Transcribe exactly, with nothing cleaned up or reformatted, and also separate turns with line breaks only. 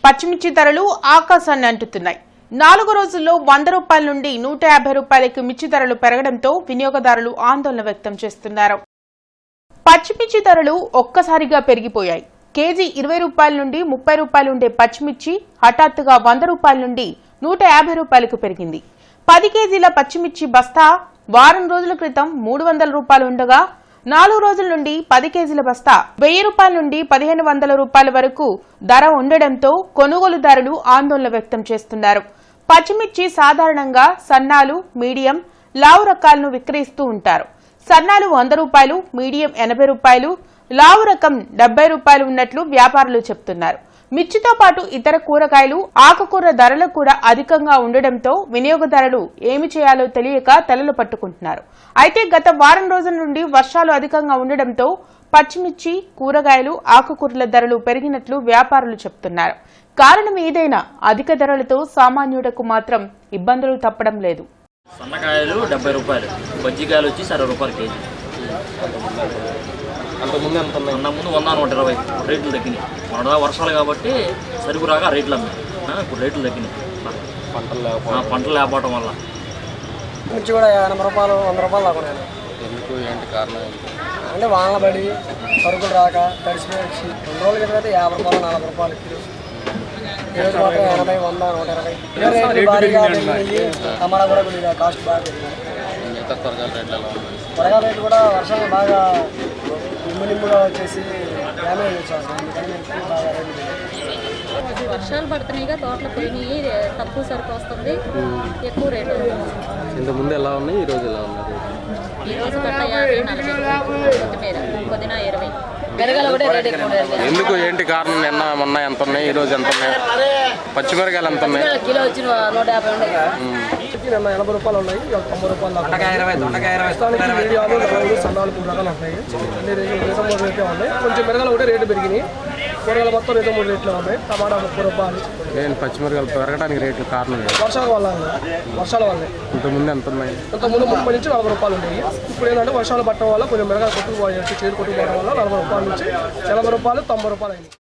పచ్చిమిర్చి ధరలు ఆకాశాన్ని అంటుతున్నాయి. నాలుగు రోజుల్లో వంద రూపాయల నుండి నూట యాభై రూపాయలకు మిర్చి ధరలు పెరగడంతో వినియోగదారులు ఆందోళన వ్యక్తం చేస్తున్నారు. పచ్చిమిర్చి ధరలు ఒక్కసారిగా పెరిగిపోయాయి. కేజీ ఇరవై రూపాయల నుండి ముప్పై రూపాయలు ఉండే పచ్చిమిర్చి హఠాత్తుగా వంద రూపాయల నుండి నూట యాభై రూపాయలకు పెరిగింది. పది కేజీల పచ్చిమిర్చి బస్తా వారం రోజుల క్రితం మూడు వందల రూపాయలు ఉండగా నాలుగు రోజుల నుండి పది కేజీల బస్తా వెయ్యి రూపాయల నుండి పదిహేను వందల రూపాయల వరకు ధర ఉండడంతో కొనుగోలుదారులు ఆందోళన వ్యక్తం చేస్తున్నారు. పచ్చిమిర్చి సాధారణంగా సన్నాలు, మీడియం, లావు రకాలను విక్రయిస్తూ ఉంటారు. సన్నాలు వంద రూపాయలు, మీడియం ఎనభై రూపాయలు, లావు రకం డెబ్బై రూపాయలు ఉన్నట్లు వ్యాపారులు చెబుతున్నారు. మిర్చితో పాటు ఇతర కూరగాయలు, ఆకుకూర ధరలు కూడా అధికంగా ఉండడంతో వినియోగదారులు ఏమి చేయాలో తెలియక తలలు పట్టుకుంటున్నారు. అయితే గత వారం రోజుల నుండి వర్షాలు అధికంగా ఉండడంతో పచ్చిమిర్చి, కూరగాయలు, ఆకుకూరల ధరలు పెరిగినట్లు వ్యాపారులు చెబుతున్నారు. కారణం ఏదైనా అధిక ధరలతో సామాన్యుడకు మాత్రం ఇబ్బందులు తప్పడం లేదు.
సన్నకాయలు డెబ్బై రూపాయలు, బజ్జికాయలు వచ్చి అరవై రూపాయలు కేజీ.
అంతకుముందు ఎంత ఉన్నాయి?
అంతకుముందు వంద నూట ఇరవై రేట్లు తగ్గినాయి. మొన్న వర్షాలు కాబట్టి సరుకు రాగా రేట్లు అమ్మాయి, ఇప్పుడు రేట్లు తగ్గినాయి.
పంటలు
పంటలు లేకపోవడం వల్ల
మిర్చి కూడా ఎనభై రూపాయలు వంద రూపాయలు లాగా.
ఎందుకు ఏంటి కారణం?
అంటే వానల పడి సరుకులు రాక తడిసిపోయి రెండు రోజుల క్రితం అయితే యాభై రూపాయలు నలభై రూపాయలు ఈరోజు మాత్రం ఎనభై వంద నూట ఇరవై రేట్లు భారీగా పెరిగినాయి. టమాటా కూడా కొద్దిగా కాస్ట్ బాగా పెరిగింది.
మిగతా కూరగాయల రేట్లు ఎలా ఉన్నాయి?
కూరగాయల రేట్లు కూడా వర్షాలు బాగా నిమ్ము నిమ్ముగా వచ్చేసి డ్యామేజ్ వచ్చేస్తాం. అందుకని బాగా రేట్లు
వర్షాలు పడుతున్నాయిగా, తోటలు పోయినాయి, తక్కువ సరుకు వస్తుంది, ఎక్కువ రేటు.
ఇంతకుముందు ఎలా ఉన్నాయి, ఈ రోజు ఎలా ఉన్నాయి?
ఈ రోజు గట్ట యాభై నలభై, కొత్తిమీర పుదీనా ఇరవై. మిరగాయలు కూడా రేట్ ఎక్కువ.
ఎందుకు ఏంటి కారణం? నిన్న మొన్న ఎంత ఉన్నాయి, ఈ రోజు ఎంత ఉన్నాయి? పచ్చిమిరకాయలు ఎంత ఉన్నాయి?
కిలో వచ్చి నూట యాభై ఉన్నాయి.
నిన్న ఎనభై రూపాయలు ఉన్నాయి, తొంభై రూపాయలు మీడియాలు సన్నాలు మూడు రకాలు ఉంటాయి. అన్ని రేట్లు రేటు మూడు రేట్లు ఉన్నాయి. కొంచెం మిరగాయలు ఒకటే రేటు పెరిగినాయి. కూరగాయలు మొత్తం రేటు మూడు రేట్లు ఉన్నాయి. టమాటా ముప్పై రూపాయలు.
నేను పచ్చిమిరకాయలు పెరగడానికి రేట్లు కారణం
వర్షాల వల్ల వర్షాల వల్లే.
ఇంతకుముందు ఎంత ఉన్నాయి?
ఇంతకుముందు ముప్పై నుంచి నలభై రూపాయలు ఉన్నాయి. ఇప్పుడు ఏంటంటే వర్షాలు పట్టడం వల్ల కొంచెం మిరగాయలు కొట్టుకుపోయాయి, చేరు కొట్టుకుపోవడం వల్ల నలభై రూపాయల నుంచి ఎనభై రూపాయలు తొంభై రూపాయలు అయింది.